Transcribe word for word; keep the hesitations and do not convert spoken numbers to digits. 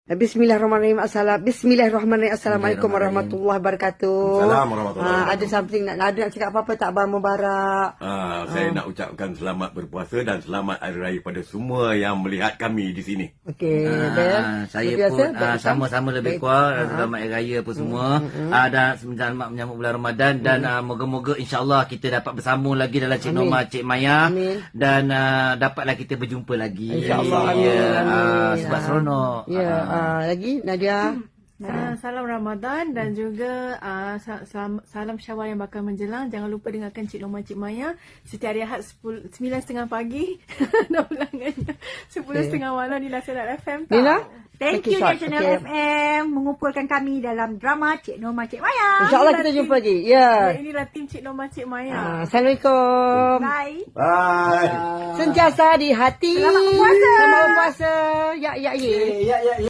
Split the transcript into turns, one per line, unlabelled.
Bismillahirrahmanirrahim. Assalam. Bismillahirrahmanirrahim. Assalamualaikum warahmatullahi wabarakatuh.
Assalamualaikum warahmatullahi
Ah,
wabarakatuh.
ada something nak ada nak cakap apa-apa tak, Abang Mubarak?
Ah, saya nak ucapkan selamat berpuasa dan selamat hari raya pada semua yang melihat kami di sini.
Okey,
Ah,
Dan.
saya
Biasa,
pun
baik,
ah, sama-sama lebih
baik.
kurang
Ah,
selamat hari raya apa semua. Ah, dan selamat menyambut bulan Ramadan dan ah, moga-moga insya-Allah kita dapat bersambung lagi dalam Cik
Amin.
Norma, Cik Maya
Amin.
dan ah, dapatlah kita berjumpa lagi.
InsyaAllah. Amin.
Ya,
Amin.
ah, sebab
Ah.
seronok.
Ya,
Ah.
ah, lagi Nadia.
Uh, salam Ramadan dan juga uh, salam, salam Syawal yang bakal menjelang. Jangan lupa dengarkan Cik Norma, Cik Maya setiap hari Ahad sembilan tiga puluh pagi dan ulangannya sepuluh tiga puluh malam di Nasional F M. Tau.
Nina?
Thank
Okay,
you
short.
National
Okay.
F M mengumpulkan kami dalam drama Cik Norma, Cik Maya.
InsyaAllah kita jumpa lagi. Ya.
Ya, inilah tim Cik Norma, Cik Maya.
Ah, Assalamualaikum.
Bye.
Bye.
Sentiasa di hati.
Selamat berpuasa.
Selamat berpuasa. Ya, ya, ya.